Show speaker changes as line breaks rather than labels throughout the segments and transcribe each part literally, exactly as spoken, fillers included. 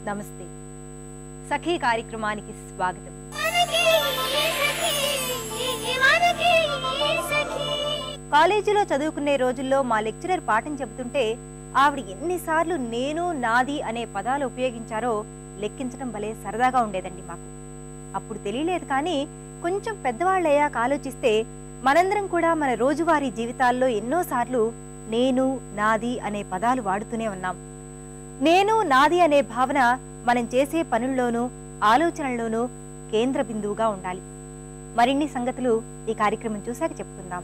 నమస్తే. సఖీ కార్యక్రమానికి స్వాగతం. కాలేజీలో చదువుకునే రోజుల్లో మా లెక్చరర్ పాఠం చెబుతుంటే ఆవిడ ఎన్నిసార్లు నేను నాది అనే పదాలు ఉపయోగించారో లెక్కించడం భలే సరదాగా ఉండేదండి మాకు. అప్పుడు తెలియలేదు, కానీ కొంచెం పెద్దవాళ్ళయ్యాక ఆలోచిస్తే మనందరం కూడా మన రోజువారీ జీవితాల్లో ఎన్నోసార్లు నేను నాది అనే పదాలు వాడుతూనే ఉన్నాం. నేను నాది అనే భావన మనం చేసే పనుల్లోనూ ఆలోచనల్లోనూ కేంద్ర బిందువుగా ఉండాలి. మరిన్ని సంగతులు ఈ కార్యక్రమం చూశాక చెప్పుకుందాం.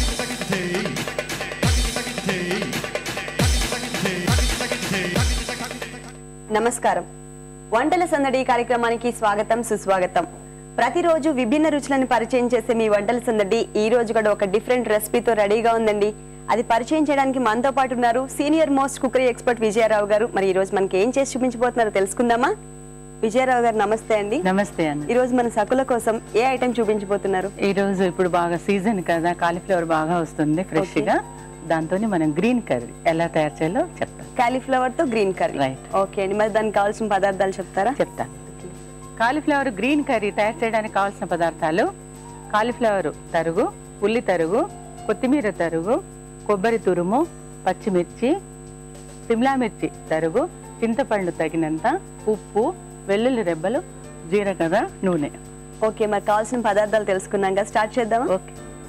నమస్కారం. వంటల సందడి కార్యక్రమానికి స్వాగతం, సుస్వాగతం. ప్రతిరోజు విభిన్న రుచులను పరిచయం చేసే మీ వంటల సందడి ఈ రోజు కూడా ఒక డిఫరెంట్ రెసిపీతో రెడీగా ఉందండి. అది పరిచయం చేయడానికి మనతో పాటు ఉన్నారు senior most cookery expert Vijayarao గారు. మరి ఈ రోజు మనకి ఏం చేసి చూపించబోతున్నారో తెలుసుకుందామా? విజయరావు గారు నమస్తే అండి.
నమస్తే అండి.
ఈ రోజు మన సకుల కోసం ఏ ఐటెం చూపించబోతున్నారు?
ఈ రోజు ఇప్పుడు బాగా సీజన్ కదా, కాలీఫ్లవర్ బాగా వస్తుంది ఫ్రెష్ గా. దాంతో మనం గ్రీన్ కర్రీ ఎలా తయారు చేయాలో చెప్తాను.
కాలీఫ్లవర్ తో గ్రీన్ కర్రీ.
రైట్.
ఓకే అండి. మరి దానికి కావాల్సిన పదార్థాలు చెప్తారా?
చెప్తాను. కాలీఫ్లవర్ గ్రీన్ కర్రీ తయారు చేయడానికి కావాల్సిన పదార్థాలు: కాలీఫ్లవర్ తరుగు, ఉల్లి తరుగు, కొత్తిమీర తరుగు, కొబ్బరి తురుము, పచ్చిమిర్చి, సిమ్లా మిర్చి తరుగు, చింతపండు తగినంత, ఉప్పు, వెల్లుల్లి రెబ్బలు, జీలకర్ర, నూనె.
ఓకే, మరి కావాల్సిన పదార్థాలు తెలుసుకున్నాక స్టార్ట్ చేద్దాం.
ఓకే.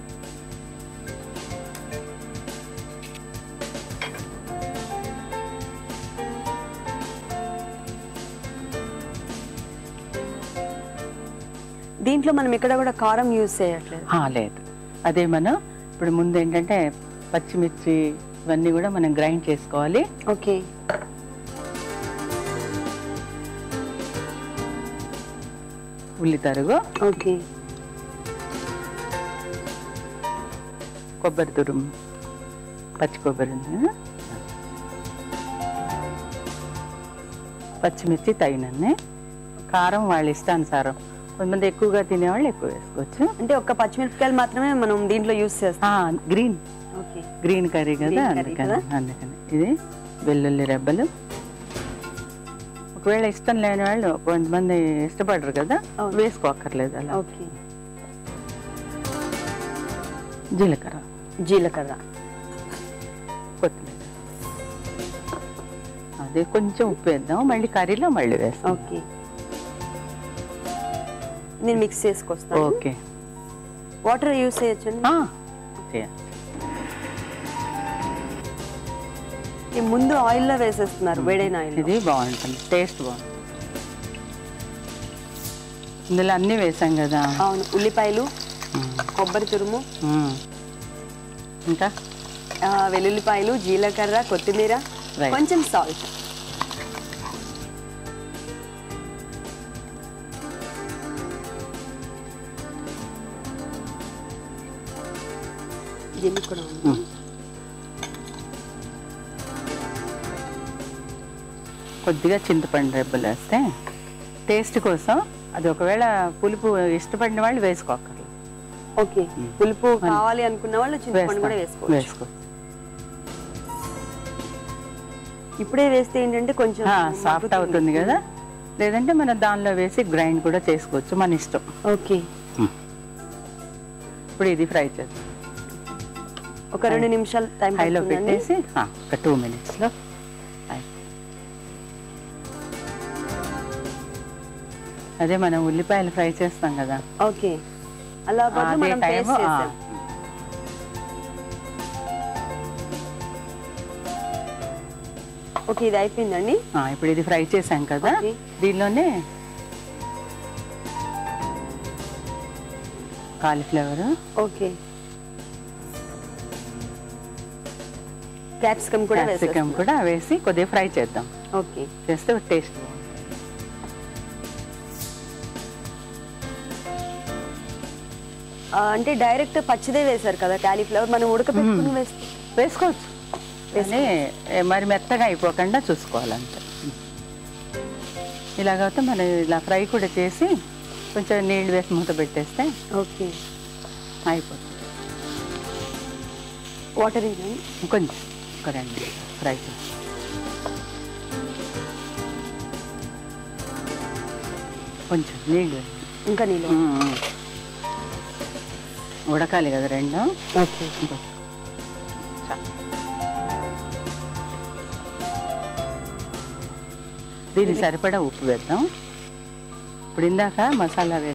దీంట్లో మనం ఇక్కడ కూడా కారం యూజ్ చేయట్లేదు.
లేదు, అదే మనం ఇప్పుడు ముందు ఏంటంటే పచ్చిమిర్చి ఇవన్నీ కూడా మనం గ్రైండ్ చేసుకోవాలి.
ఓకే.
ఉల్లి తరుగు,
ఓకే,
కొబ్బరి తురుము, పచ్చి కొబ్బరి, పచ్చిమిర్చి తగినన్ని, కారం వాళ్ళ ఇష్టానుసారం. కొంతమంది ఎక్కువగా తినేవాళ్ళు ఎక్కువ వేసుకోవచ్చు.
అంటే ఒక్క పచ్చిమిరపకాయలు మాత్రమే మనం దీంట్లో యూజ్ చేస్తాం.
గ్రీన్
ఓకే,
గ్రీన్ కర్రీ కదా, అందుకని అందుకని ఇది వెల్లుల్లి రెబ్బలు. ఒకవేళ ఇష్టం లేని వాళ్ళు, కొంతమంది ఇష్టపడరు కదా, వేసుకోక్కర్లేదు అలా.
ఓకే.
జీలకర్ర,
జీలకర్ర,
కొత్తిమీర, అదే కొంచెం ఉప్పు వేద్దాం, మళ్ళీ కర్రీలో మళ్ళీ వేస్తాం.
ఓకే, నేను మిక్స్ చేసుకొస్తాను.
ఓకే.
వాటర్ యూజ్ చేయొచ్చండి? ముందు ఆయిల్ లో వేసేస్తున్నారు, వేడైన ఆయిల్.
ఇది బాగుంటుంది, టేస్ట్ బాగుంటుంది. ఇందులో అన్ని వేసాం కదా.
అవును, ఉల్లిపాయలు, కొబ్బరి తురుము,
ఇంకా
వెల్లుల్లిపాయలు, జీలకర్ర, కొత్తిమీర, కొంచెం సాల్ట్. దీన్ని కూడా
కొద్దిగా చింతపండు రెబ్బలు వేస్తే టేస్ట్ కోసం. అది ఒకవేళ పులుపు ఇష్టపడిన వాళ్ళు వేసుకోకర్లేదు.
ఓకే, పులుపు కావాలి అనుకున్న వాళ్ళు చింతపండు కూడా వేసుకోవచ్చు.
వేసుకోవచ్చు.
ఇప్పుడే వేస్తే ఏంటంటే కొంచెం
సాఫ్ట్ అవుతుంది కదా, లేదంటే మనం దానిలో వేసి గ్రైండ్ కూడా చేసుకోవచ్చు, మన ఇష్టం.
ఓకే.
ఇప్పుడు ఇది ఫ్రై చేద్దాం.
ఒక రెండు నిమిషాలు టైం
హైలో పెట్టేసి ఒక టూ మినిట్స్లో. అదే మనం ఉల్లిపాయలు ఫ్రై చేస్తాం కదా.
ఓకే, అలా మనం పేస్ట్ చేస్తాం. ఓకే, ఇది అయిపోయిందండి.
ఇప్పుడు ఇది ఫ్రై చేసాం కదా, దీనిలోనే కాలీఫ్లవర్,
ఓకే, క్యాప్సికమ్ కూడా
క్యాప్సికమ్ కూడా వేసి కొద్దిగా ఫ్రై చేద్దాం.
ఓకే,
చేస్తే టేస్ట్.
అంటే డైరెక్ట్ పచ్చిదే వేసారు కదా కాలీఫ్లవర్, మనం ఉడకపెట్టుకుని వేస్తే
వేసుకోవచ్చు. మరి మెత్తగా అయిపోకుండా చూసుకోవాలంటే. ఇలాగైతే మనం ఇలా ఫ్రై కూడా చేసి కొంచెం నీళ్ళు వేసి మూత పెట్టేస్తే
ఓకే
అయిపోతుంది.
వాటర్
కొంచెం ఒక రెండు ఫ్రై చేసి కొంచెం నీళ్ళు
ఇంకా నీళ్ళు
ఉడకాలి కదా రెండు.
ఓకే.
దీనికి సరిపడా ఉప్పు వేద్దాం. ఇప్పుడు ఇందాక మసాలా